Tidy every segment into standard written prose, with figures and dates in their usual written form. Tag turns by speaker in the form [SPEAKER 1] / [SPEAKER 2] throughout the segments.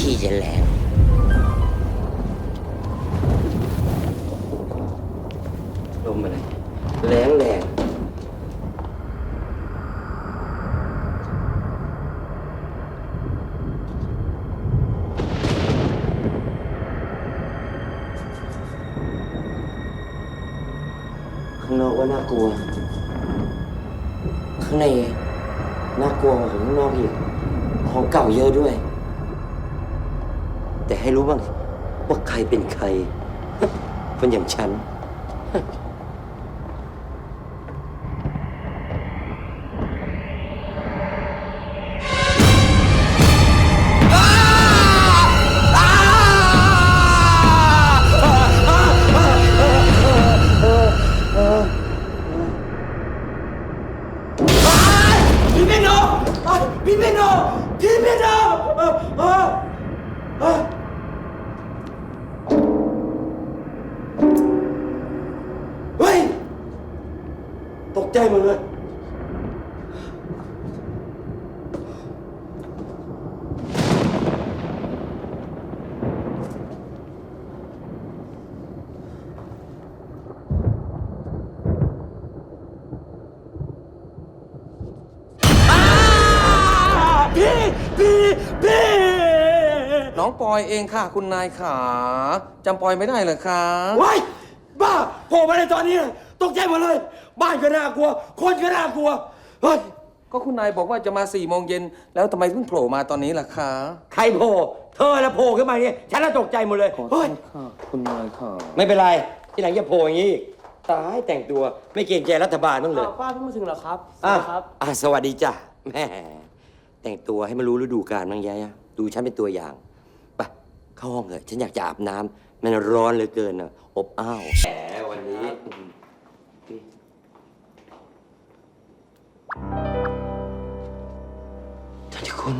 [SPEAKER 1] ที่จะแรงลมอะไรแรงแรงข้างนอกว่าน่ากลัวข้างในน่ากลัวกว่าข้างนอกอีกของเก่าเยอะด้วยแต่ให้รู้บ้างว่าใครเป็นใครคนอย่างฉันพี่เมโนพี่เมโนพี่เมโนเฮ้ยตกใจหมดเลยพี่
[SPEAKER 2] น้องปอยเองค่ะคุณนายขาจำปอยไม่ได้เหรอคะ
[SPEAKER 1] ว้ายบ้าโผล่มาในตอนนี้ตกใจหมดเลยบ้านก็น่ากลัวคนก็น่ากลัวเฮ้ย
[SPEAKER 2] ก็คุณนายบอกว่าจะมา4 โมงเย็นแล้วทำไมเพิ่งโผล่มาตอนนี้ล่ะคะ
[SPEAKER 1] ใครโผล่เธอแล้วโผล่ขึ้นมาเนี่ยฉันน่ะตกใจหมดเลยเฮ้ย
[SPEAKER 2] ค่ะคุณนายค่ะ
[SPEAKER 1] ไม่เป็นไรที่หลังอย่าโผล่อย่างนี้อีกตายแต่งตัวไม่เกรงใจรัฐบาลบ้างเลย
[SPEAKER 3] ป้าเพิ่งมาถึงเหรอครับ
[SPEAKER 1] อ่ะ
[SPEAKER 3] ครับ
[SPEAKER 1] สวัสดีจ้ะแม่แต่งตัวให้มันรู้ฤดูกาลบ้างยายดูฉันเป็นตัวอย่างไปเข้าห้องเถอะฉันอยากจะอาบน้ำมันร้อนเหลือเกินอะอบอ้าวแหมวันนี้ท่านคุณ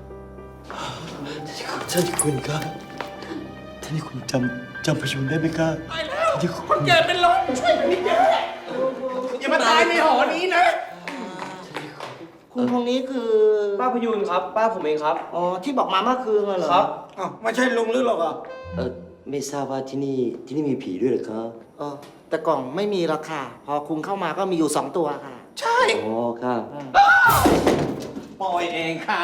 [SPEAKER 1] ท่านคุณครับท่านคุณจำประชุมได้ไหมครับไปแล้วคนแก่เป็นลมช่วยมันนิดเดียวอย่ามาตายในหอนี้นะ
[SPEAKER 3] คุณคนนี้คือป้าพยูนครับ ป้าผมเองครับ อ๋อ ที่บอกมาเมื่อคืนเหรอ
[SPEAKER 4] ครับอ้าวไม่ใช่ลุงหรือหรอกอ่ะ
[SPEAKER 1] ไม่ทราบว่าที่นี่มีผีด้วยเหรอครับ
[SPEAKER 3] แต่กล่องไม่มีราคาพอคุณเข้ามาก็มีอยู่2 ตัวค่ะ
[SPEAKER 4] ใช่
[SPEAKER 1] อ๋อครับ
[SPEAKER 2] ปอยเองค่ะ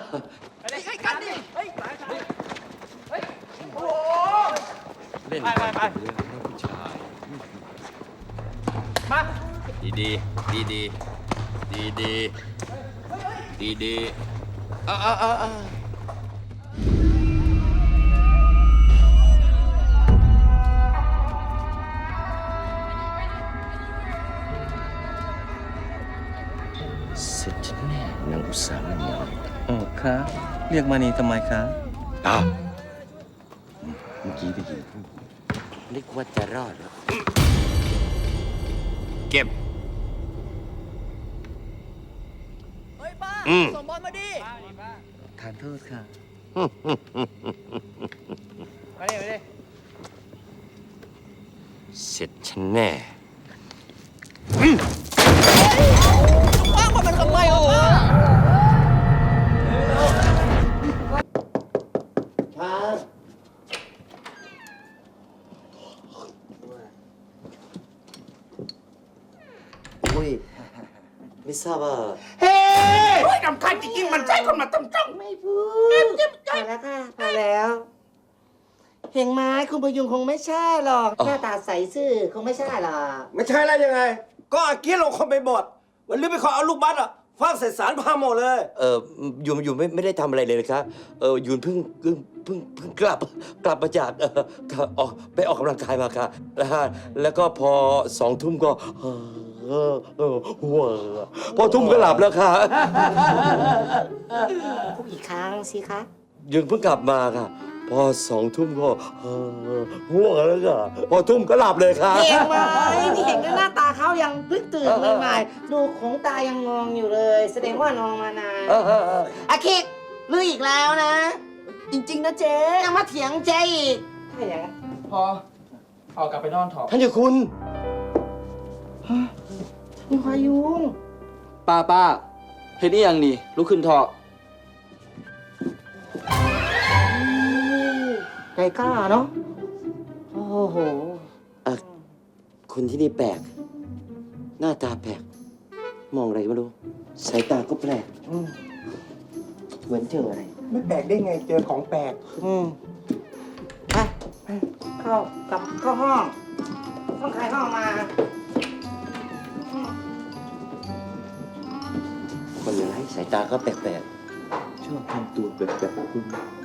[SPEAKER 5] เล่นไปไปเรื่องผู้ชายมาดีดีดีดีดีดีดีดี
[SPEAKER 1] เสร็จฉันแน่นางอุตสาหมณี
[SPEAKER 2] คะเรียกมานีทำไมคะ
[SPEAKER 1] เมื่อกี้ได้ยินนึกว่าจะรอดแล้ว
[SPEAKER 5] เก็บ
[SPEAKER 6] เฮ้ยป้า ส่งบอลมาดิ
[SPEAKER 2] ทานโทษค่ะ
[SPEAKER 6] มาดิ มาดิ
[SPEAKER 1] เสร็จฉันแน่
[SPEAKER 6] ป้ามันทำไมอ่ะป้า
[SPEAKER 1] อุ้ยไม่ทราบว่า
[SPEAKER 4] เฮ้ยนำคันจริงๆมันใช่คนมาต้อง
[SPEAKER 3] ไม่พูดพอแล้วค่ะพอแล้ว เห็นไหมคุณพยุงคงไม่ใช่หรอก หน้าตาใสซื่อคงไม่ใช่หรอก
[SPEAKER 4] ไม่ใช่แล้วยังไง ก็อากี้ลงคนไปบดวันนี้ไปขอเอาลูกบัสอ่ะฟาดใส่สารพาหมดเลย
[SPEAKER 1] ยูนไม่ได้ทำอะไรเลยนะครับยูนเพิ่งกลับมาจากไปออกกำลังกายมาค่ะแล้วก็พอ2 ทุ่มก็หัวพอทุ่มก็หลับแล้วค่ะ
[SPEAKER 3] พูดอีกครั้งสิคะ
[SPEAKER 1] ยูนเพิ่งกลับมาค่ะ พอ2 ทุ่มก็ง่วงแล้วค่ะพอทุ่มก็หลับเลยค่ะ
[SPEAKER 3] เห็นไหมนี่เห็นก็หน้าตาเขายังเพิ่งตื่นใหม่ๆดูของตายังงองอยู่เลย แสดงว่านอนมานานอาคิกลืออีกแล้วนะ
[SPEAKER 6] จริง ๆ นะเจ๊
[SPEAKER 3] ยังมาเถียงเจ๊อีกถ้าอย่างนั้น
[SPEAKER 4] พอเอากลับไปนอนเถอะ
[SPEAKER 1] ท่านเจ้าคุณ
[SPEAKER 3] มีพายุง
[SPEAKER 7] ป้าเห็นนี่ยังนี่ลุกขึ้นเถอะ
[SPEAKER 3] ใจกล้าเนาะโอ้โห
[SPEAKER 1] อ่ะคนที่นี่แปลก หน้าตาแปลก มองอะไรไม่รู้ สายตาก็แปลก เหมือนเจออะไร
[SPEAKER 4] ไม่แปลกได้ไงเจอของแปลก
[SPEAKER 3] ไปเข้าห้องต้องใครห้องมา
[SPEAKER 1] คนร้ายสายตาก็แปลกๆ ชอบทำตัวแบบคุณ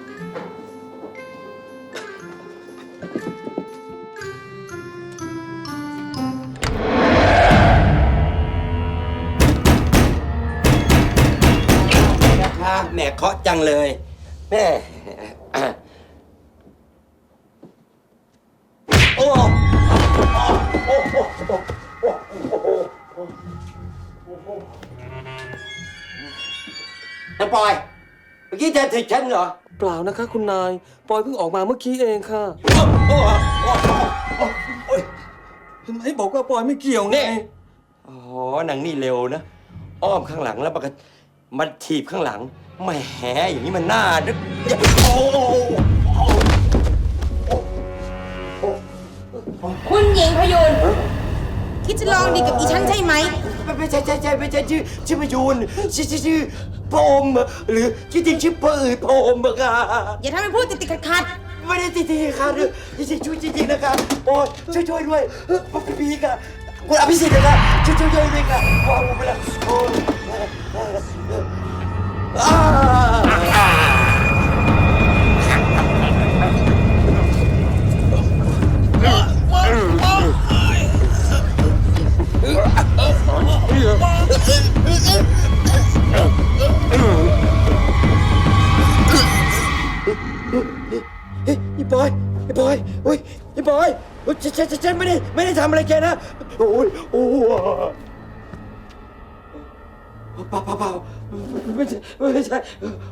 [SPEAKER 1] นะคะแหมเคาะจังเลย แม่โอ้น้าปอย เมื่อกี้เธอถีบฉันเหรอ
[SPEAKER 2] เปล่านะคะคุณนาย ปอยเพิ่งออกมาเมื่อกี้เองค่ะเห็นไหมบอกว่าปอยไม่เกี่ยวไง
[SPEAKER 1] นี่ อ๋อหนังนี่เร็วนะ อ้อมข้างหลังแล้วมันถีบข้างหลังแหมอย่างนี้มันน่าดึกโอ้
[SPEAKER 7] คุณหญิงพยุนคิดจะลองดีกับอีฉันใช่ไหม
[SPEAKER 1] ไม่ใช่ไม่ใช่ชื่อพยูนชื่อพระอมหรือที่จริงชื่อพระพระอมอะค่ะ
[SPEAKER 7] อย่าทำให้พูดติดขัด
[SPEAKER 1] ไม่ได้ติดค่ะจริงช่วยจริงนะคะโอ้ยช่วยด้วยพี่ค่ะคุณอภิสิทธิ์นะคะช่วยด้วยค่ะว้าวไปละโอ้ไอ้บอยโอ้ยไอ้บอยฉันไม่ได้ทำอะไรแกนะโอ้ยเปล่าไม่ใช่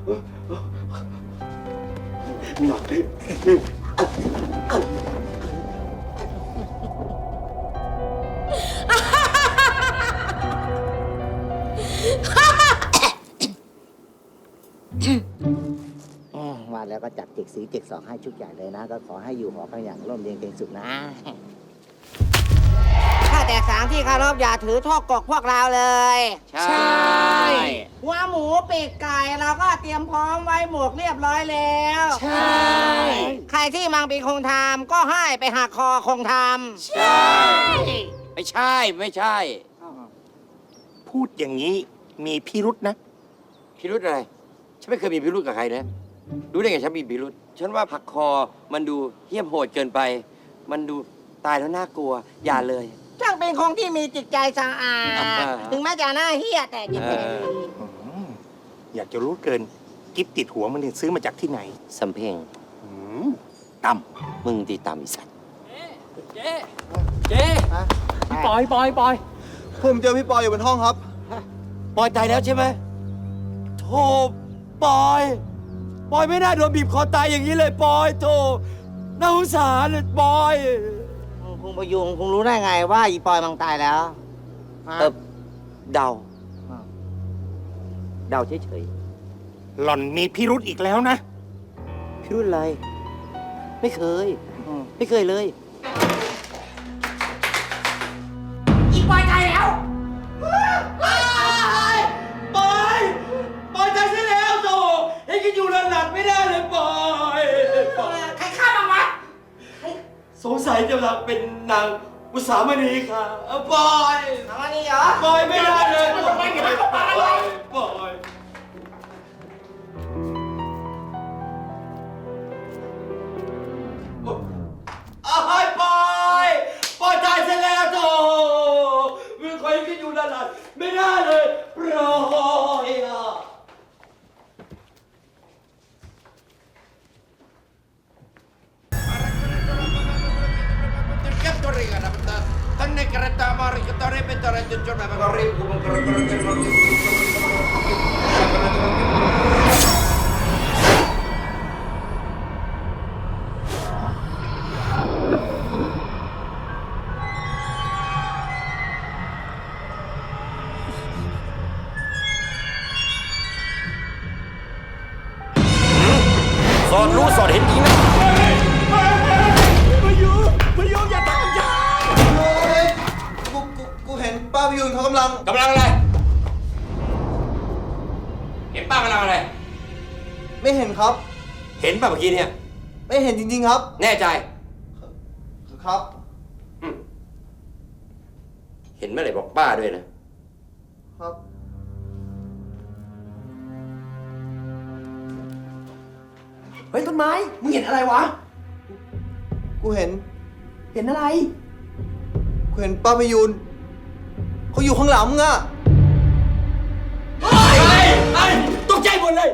[SPEAKER 3] ว่าแล้วก็จัดจิกสีจิกสองให้ชุดใหญ่เลยนะ ก็ขอให้อยู่หอกันอย่างร่มเย็นเป็นสุขนะ ถ้าแต่สางที่เคารพอย่าถือโทษกกพวกเราเลย
[SPEAKER 5] ใช่
[SPEAKER 3] หัวหมูปีกไก่เราก็เตรียมพร้อมไว้หมวกเรียบร้อยแล้ว
[SPEAKER 5] ใช่
[SPEAKER 3] ใครที่มังปีคงทำก็ให้ไปหักคอคงทำ
[SPEAKER 5] ใช่ไม่ใช่
[SPEAKER 4] พูดอย่างนี้มีพิรุษนะ
[SPEAKER 1] พิรุธอะไร ฉันไม่เคยมีพิรุธกับใครนะ รู้ได้ไงฉันมีพิรุธฉันว่าผักคอมันดูเหี้ยมโหดเกินไป มันดูตายแล้วน่ากลัว อย่าเลย
[SPEAKER 3] ช่างเป็นคงที่มีจิตใจสะอาด ถึงแม้จะหน้าเหี้ยแต่จิตใจดี
[SPEAKER 4] อยากจะรู้เกิน กิฟติดหัวมันเนี่ยซื้อมาจากที่ไหน
[SPEAKER 1] สำเพ็ง
[SPEAKER 4] ต่ำ
[SPEAKER 1] มึงตีต่ำอีสัตว์
[SPEAKER 6] เจ๊ปอย
[SPEAKER 8] ผมเจอพี่ปอยอยู่บนห้องครับ
[SPEAKER 1] ปอยตายแล้วใช่ไหมโธ่ปอยไม่น่าโดนบีบคอตายอย่างนี้เลยปอยโธ่น่าสงสารเลยปอย
[SPEAKER 3] คงพยุงคงรู้ได้ไงว่าอีปอยมังตายแล้วฮะ
[SPEAKER 1] เดา
[SPEAKER 3] อ้าว
[SPEAKER 1] เดาเฉย
[SPEAKER 4] หล่อนมีพิรุษอีกแล้วนะ
[SPEAKER 1] ๆพิรุธอะไร ไม่เคย ไม่เคยเลย
[SPEAKER 7] ๆ อีปอยตายแล้ว
[SPEAKER 1] ปอยตายซะแล้วโธ่ให้กินอยู่หลับไม่ได้เลยปอย
[SPEAKER 7] ใครฆ่ามันวะ
[SPEAKER 1] สงสัยจะเป็นนางอุสามณีค่ะปอย
[SPEAKER 3] เอาอันนี้เหรอ
[SPEAKER 1] ปอยไม่ได้เลยปอย อ้ายปอยตายเสร็จแล้วโธ่มึงคอยกินอยู่นานๆไม่ได้เลยปล่อยอ่ะ
[SPEAKER 5] Tanne kertaa maarikata repetare jojona mä riippuuสอดรู้สอดเห็นจริงนะ
[SPEAKER 8] ยูนเขากำลัง
[SPEAKER 5] กำลังอะไร เห็นป้ากำลังอะไร
[SPEAKER 8] ไม่เห็นครับ
[SPEAKER 5] เห็นป่ะเมื่อกี้เนี่ย
[SPEAKER 8] ไม่เห็นจริงๆครับ
[SPEAKER 5] แน่ใจ
[SPEAKER 8] ครับ
[SPEAKER 5] เห็นเมื่อไหร่บอกป้าด้วยนะ
[SPEAKER 8] ครับ
[SPEAKER 3] เฮ้ยต้นไม้ มึงเห็นอะไรวะ
[SPEAKER 8] กูเห็น
[SPEAKER 3] เห็นอะไร
[SPEAKER 8] กูเห็นป้าพยูนเขาอยู่ข้างหลังมึงอะ
[SPEAKER 5] ไอ้ตกใจหมดเลย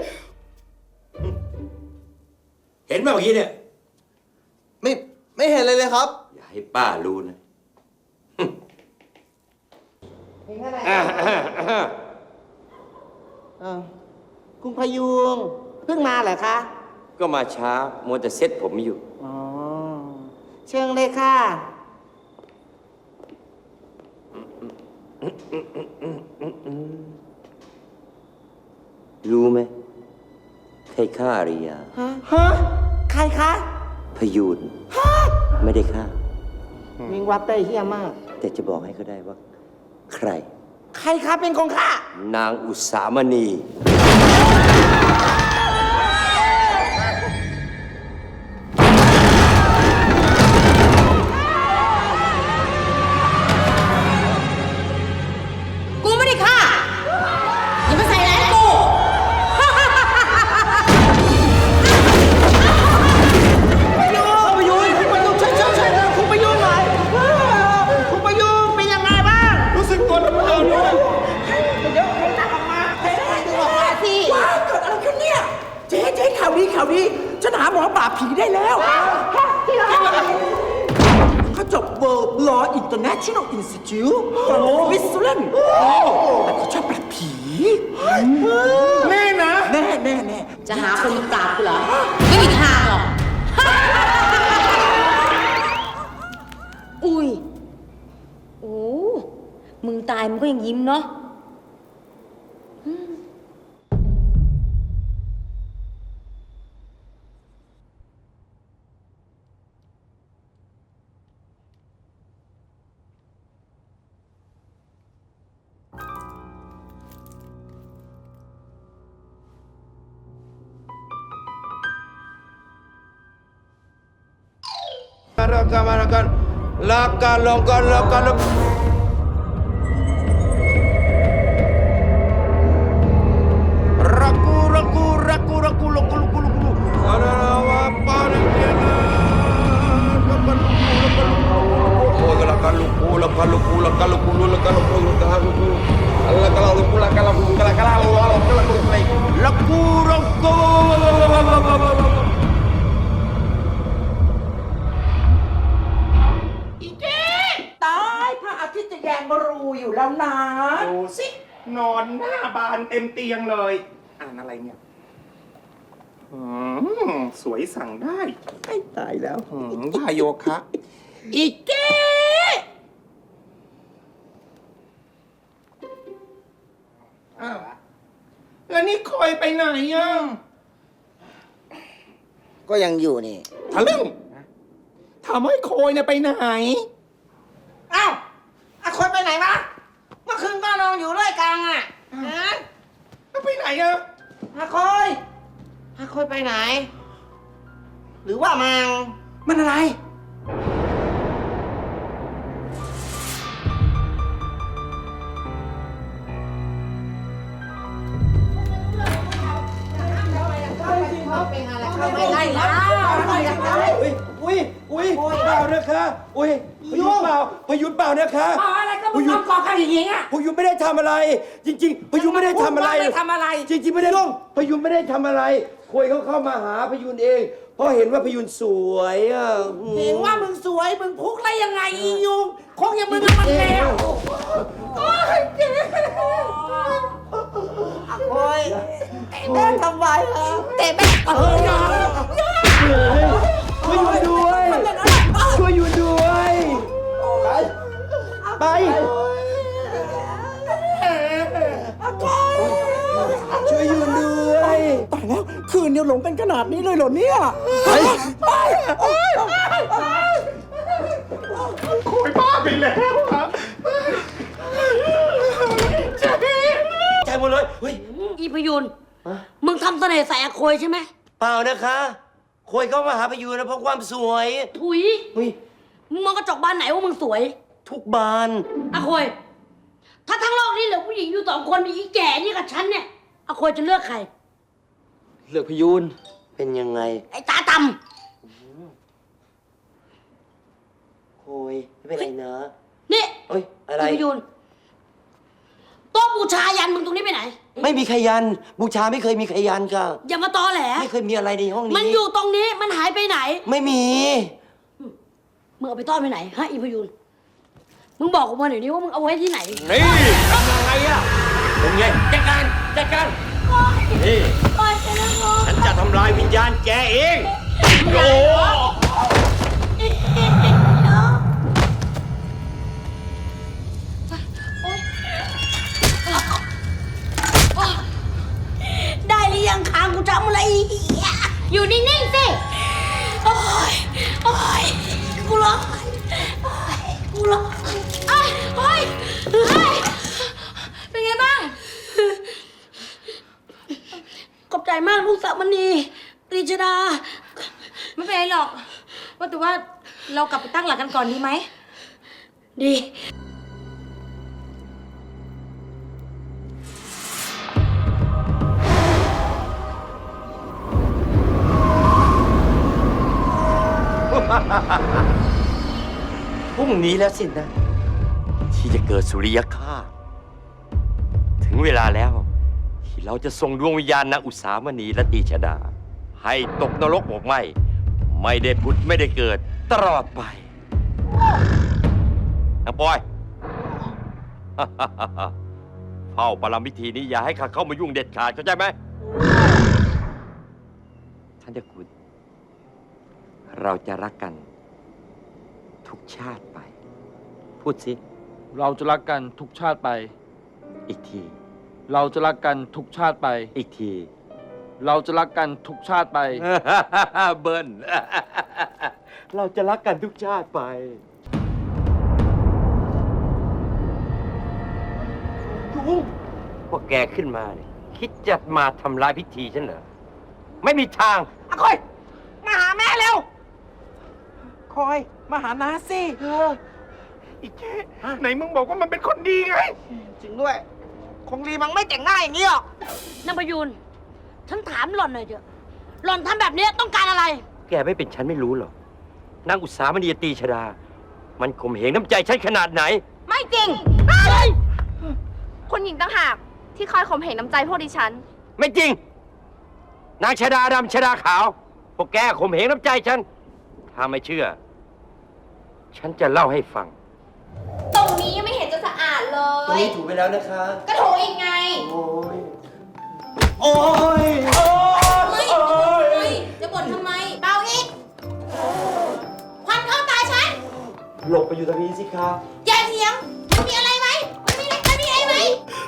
[SPEAKER 5] เห็นป่ะเมื่อกี้เนี่ย
[SPEAKER 8] ไม่เห็นเลยครับ
[SPEAKER 5] อย่าให้ป้ารู้นะ
[SPEAKER 3] เห็นอะไร
[SPEAKER 8] อ่า
[SPEAKER 3] คุณพยุงเพิ่งมาเหรอคะ
[SPEAKER 1] ก็มาช้ามัวแต่เซ็ตผมอยู่
[SPEAKER 3] อ๋อ เชิญเลยค่ะ
[SPEAKER 1] รู้ไหมใครฆ่าอาริยา
[SPEAKER 3] ฮะ ใครคะ
[SPEAKER 1] พยูนไม่ได้ฆ่า
[SPEAKER 3] วิงวัดเต้ยเฮี้ยมาก
[SPEAKER 1] แต่จะบอกให้เขาได้ว่า ใคร
[SPEAKER 3] ใครคะเป็นของข้าน
[SPEAKER 1] างอุสามณี
[SPEAKER 7] กูไม่ได้ฆ่า อย่ามาใส่ร้ายกู
[SPEAKER 3] พยุงช่วยคุณพยุงหน่อยคุณพยุงเป็นยังไงบ้าง
[SPEAKER 4] รู้สึกตัวน้ำตาด้วย
[SPEAKER 3] เดี๋ยวให้ตักออกมาให้ดูออกมาสิว้าวเกิดอะไรขึ้นเนี่ย เจ๊ข่าวดีฉันหาหมอปราบผีได้แล้วที่ไหนเขาจบ World Law International Institute ของสวิตเซอร์แลนด์แต่เขาชอบปราบผีแน่นะแน่
[SPEAKER 7] จะหาคนมาปราบกูเหรอ ไม่มีทางหรอก อุ้ย โอ้ มึงตายมึงก็ยังยิ้มเนาะ
[SPEAKER 5] Lakan. Raku. Ada apa dia? Laku.
[SPEAKER 3] ตายพระอาทิตย์จะแยงรูอยู่แล้วนะ
[SPEAKER 9] ดูสิ นอนหน้าบานเต็มเตียงเลย อ่านอะไรเนี่ยสวยสั่งได้ไอ้ตายแล้วท่าโยคะ
[SPEAKER 3] อีกเก้
[SPEAKER 9] อ้าวแล้วนี่คอยไปไหนอ่ะ
[SPEAKER 3] ก็ยังอยู่นี่
[SPEAKER 9] ทะลึ่งถามว่าไอ้โคอยเนี่ยไปไหน
[SPEAKER 3] อ้าวอาคอยไปไหนวะ เมื่อคืนก็นอนอยู่ด้วยกันอ่ะฮะ
[SPEAKER 9] แล้วไปไหนอ่ะ
[SPEAKER 3] อาคอยไปไหน หรือว่ามันอะไร
[SPEAKER 7] ไม่ได้แล้ว
[SPEAKER 4] อุ้ยเปล่านะคะอุ้ยพยุนเปล่านะคะ
[SPEAKER 3] อะไรก็มึงต้องกอกันอย่างงี้อ่ะ
[SPEAKER 4] พยุนไม่ได้ทำอะไร จริงๆพยุนไม่ได้ทำอะไร
[SPEAKER 3] ไม่ทำอะไร
[SPEAKER 4] จริงๆไม่ได้พยุนไม่ได้ทำอะไรคุยเขาเข้ามาหาพยุนเอง เพราะเห็นว่าพยุนสวยอ่ะ
[SPEAKER 3] เห็นว่ามึงสวย มึงพุกได้ยังไงอียุงคงอย่างมึงกับมันแล้วโอ้ยเจ๊โอ้ยแม่ทำไมล่ะแต่แม่
[SPEAKER 4] ช่วยอยู่ด้วยช่วยอยู่ด้วยไปช่วยอยู่ด้วย
[SPEAKER 3] ตายแล้ว คืนเดียวหลงกันขนาดนี้เลยเหรอเนี่ย
[SPEAKER 9] โคอยบ้าไปแล้วครับ
[SPEAKER 1] มาเลยเฮ้ย
[SPEAKER 7] อีพยุนมึงทำเสน่ห์ใส่อาโคยใช่ไหม
[SPEAKER 1] เปล่านะคะโคยเข้ามาหาพยูนนะเพราะความสวย
[SPEAKER 7] ถุย
[SPEAKER 1] เฮ้ย
[SPEAKER 7] มึงมองกระจกบานไหนว่ามึงสวย
[SPEAKER 1] ทุกบาน
[SPEAKER 7] อาโคยถ้าทั้งโลกนี้เหลือผู้หญิงอยู่2 คนมีอีแก่นี่กับฉันเนี่ยอาโคยจะเลือกใคร
[SPEAKER 1] เลือกพยูนเป็นยังไง
[SPEAKER 7] ไอ้ตาต่
[SPEAKER 1] โคยไม่เป็นไรนะ
[SPEAKER 7] ำนี่
[SPEAKER 1] เอ้ยอะไร
[SPEAKER 7] อีพยุนโต๊ะบูชายันมึงตรงนี้ไปไหน
[SPEAKER 1] ไม่มีใครยันบูชาไม่เคยมีใครยันค่ะ
[SPEAKER 7] อย่ามาตอแหล
[SPEAKER 1] ไม่เคยมีอะไรในห้องนี้
[SPEAKER 7] มันอยู่ตรงนี้มันหายไปไหน
[SPEAKER 1] ไม่มี
[SPEAKER 7] มึงเอาไปต้อนไปไหนฮะอีพยุนมึงบอกกูมาหน่อยดิว่ามึงเอาไว้ที่ไหน
[SPEAKER 1] นี่ทำยังไงอะเป็นไงจัดการจัดการนี่
[SPEAKER 7] โอ๊ยไปแล้วพ่อ
[SPEAKER 1] ฉันจะทำลายวิญญาณแกเองโอ้
[SPEAKER 7] ได้หรือยังคางกูจำอะไรอีกอยู่นิ่งๆสิโอ๊ยโอ๊ยกูร้อนโอ๊ยกูร้อนโอ๊ยโอ๊ยโอ๊ยเป็นไงบ้างขอบใจมากลูกสาวมณีตรีชดา
[SPEAKER 10] ไม่เป็นไรหรอก ว่าแต่ว่าเรากลับไปตั้งหลักกันก่อนดีไหม
[SPEAKER 7] ดี
[SPEAKER 1] พรุ่งนี้แล้วสินะ ที่จะเกิดสุริยคราสถึงเวลาแล้ว ที่เราจะส่งดวงวิญญาณนางอุษามณีและตีชดา ให้ตกนรกหมกไหมไม่ได้ผุดไม่ได้เกิดตลอดไปนางปอย เฝ้าปรำพิธีนี้อย่าให้ข้าเข้ามายุ่งเด็ดขาดเข้าใจไหมท่านเจ้าคุณ เราจะรักกันทุกชาติไป พูดสิ
[SPEAKER 6] เราจะรักกันทุกชาติไป
[SPEAKER 1] อีกที
[SPEAKER 6] เราจะรักกันทุกชาติไป
[SPEAKER 1] อีกที
[SPEAKER 6] เราจะรักกันทุกชาติไป
[SPEAKER 1] เบิ้ล เราจะรักกันทุกชาติไป พวกแกขึ้นมาเนี่ยคิดจะมาทำลายพิธีฉันเหรอ ไม่มีทาง
[SPEAKER 3] อาคอย มาหาแม่เร็ว คอย มาหาน้าสิ
[SPEAKER 9] อีเจ๊ไหนมึงบอกว่ามันเป็นคนดีไง
[SPEAKER 3] จริงด้วย คงดีมันไม่แต่งง่ายอย่างนี้หรอก
[SPEAKER 7] นางประยูนฉันถามหล่อนหน่อยเถอะหล่อนทำแบบนี้ต้องการอะไร
[SPEAKER 1] แกไม่เป็นฉันไม่รู้หรอกนางอุตสามณีตีชดา มันข่มเหงน้ำใจฉันขนาดไหน
[SPEAKER 10] ไม่จริง คุณหญิงต่างหากที่คอยข่มเหงน้ำใจพวกดิฉัน
[SPEAKER 1] ไม่จริง นางชดาดำชดาขาว พวกแกข่มเหงน้ำใจฉัน ถ้าไม่เชื่อ ฉันจะเล่าให้ฟัง
[SPEAKER 10] ตรงนี้ยังไม่เห็นจะสะอาดเล
[SPEAKER 4] ตรง
[SPEAKER 10] ย
[SPEAKER 4] นี้ถูกไปแล้วนะคะ
[SPEAKER 10] ก็โถอีกไง
[SPEAKER 4] โอ้ย โอ้ย
[SPEAKER 10] ไม่จะบ่นทำไม เบาอีก ควันเข้าตาฉัน
[SPEAKER 4] หลบไปอยู่ตรงนี้สิคะ
[SPEAKER 10] อย่าเถียงมันมีอะไรไหมมันมีอะไรไหม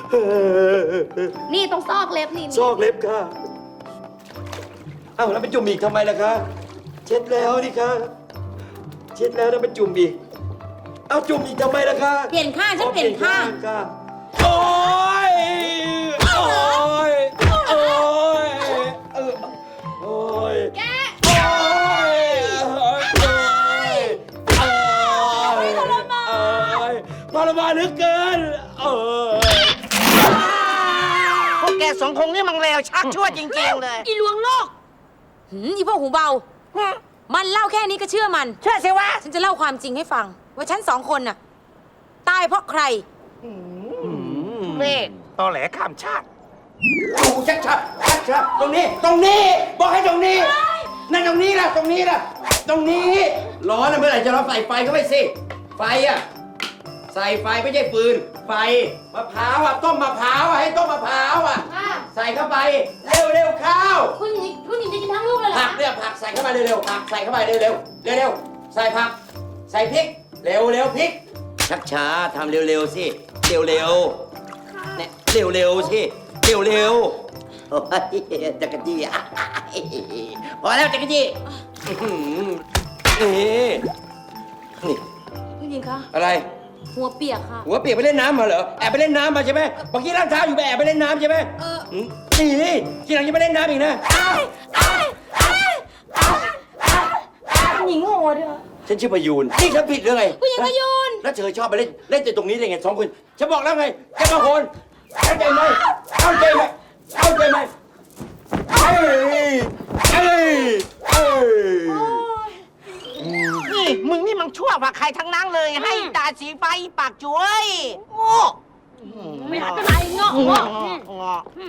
[SPEAKER 10] นี่ตรงซอกเล็บนี่
[SPEAKER 4] ซอกเล็บค่ะ เอ้าแล้วไปจุ่มอีกทำไมล่ะคะ เช็ดแล้วนี่คะ เช็ดแล้วแล้วไปจุ่มอีก เอ้าจุ่มอีกทำไมล่ะคะ
[SPEAKER 10] เปลี่ยนข้างฉันเปลี่ยนข้าง
[SPEAKER 4] ค่ะ โอ้ย โอ้ย โอ้ยโอ้ย
[SPEAKER 10] แก
[SPEAKER 4] โอ้ยโอ้ยโอ้ยทรมานเหลือเกินโอ้ย
[SPEAKER 3] พวกแกสองคงนี่มันเลวชักชั่วจริงๆเลย
[SPEAKER 7] อีลวงโลก
[SPEAKER 10] อีพวกหูเบา มันเล่าแค่นี้ก็เชื่อมัน
[SPEAKER 3] เชื่อสิวะ
[SPEAKER 10] ฉันจะเล่าความจริงให้ฟัง ว่าฉันสองคนน่ะ ตายเพราะใคร
[SPEAKER 3] นี่
[SPEAKER 9] ตอแหลข้ามชาติ
[SPEAKER 4] ดูชัดๆตรงนี้ ตรงนี้ บอกให้ตรงนี้ นั่นตรงนี้ล่ะ ตรงนี้ล่ะ ตรงนี้ ร้อนนะเมื่อไหร่จะเราใส่ไฟเข้าไปสิ ไฟอ่ะ ใส่ไฟไม่ใช่ฟืน ไฟ มะพร้าวอ่ะ ต้มมะพร้าวอ่ะ ให้ต้มมะพร้าวอ่ะ ใส่เข้าไป เร็วๆข้าว
[SPEAKER 7] คุณหญิงจะกินทั้งลูกเลยเหรอ
[SPEAKER 4] ผักเนี่ยผักใส่เข้ามาเร็วๆผักใส่เข้ามาเร็วๆเร็วๆใส่ผัก ใส่พริก เร็วๆพริก ชักช้าทำเร็วๆสิเร็วๆเนี่ยเร็วๆสิเร็วๆโอ้ยจักรจี้อ่ะพอแล้วจักรจี้นี่นี่
[SPEAKER 10] คุณหญิงคะ
[SPEAKER 4] อะไร
[SPEAKER 10] หัวเปียกค่ะ
[SPEAKER 4] หัวเปียกไปเล่นน้ำมาเหรอ แอบไปเล่นน้ำมาใช่ไหมเมื่อกี้ล้างเท้าอยู่ไปแอบไปเล่นน้ำใช่ไหมนี่ทีหลังจะไปเล่นน้ำอีกนะ
[SPEAKER 10] หญิงโง่ด้วย
[SPEAKER 4] ฉันชื่อประยูนนี่ฉันผิดหรือไง
[SPEAKER 10] ผู้หญิงประยูน
[SPEAKER 4] แล้วเธอชอบไปเล่นแต่ตรงนี้ได้ไงสองคนฉันบอกแล้วไงแกมาโหนเข้าใจไหมเข้าใจไหมเข้าใจไหมเอ้ยเอ้ยเอ้ย
[SPEAKER 3] นี่มึงนี่มันชั่วกว่าใครทั้งนั้นเลย ให้ตาสีฟ้าอีปากจุ้ยโง่
[SPEAKER 7] ไม่หาจะไหนเงาะ
[SPEAKER 3] งอ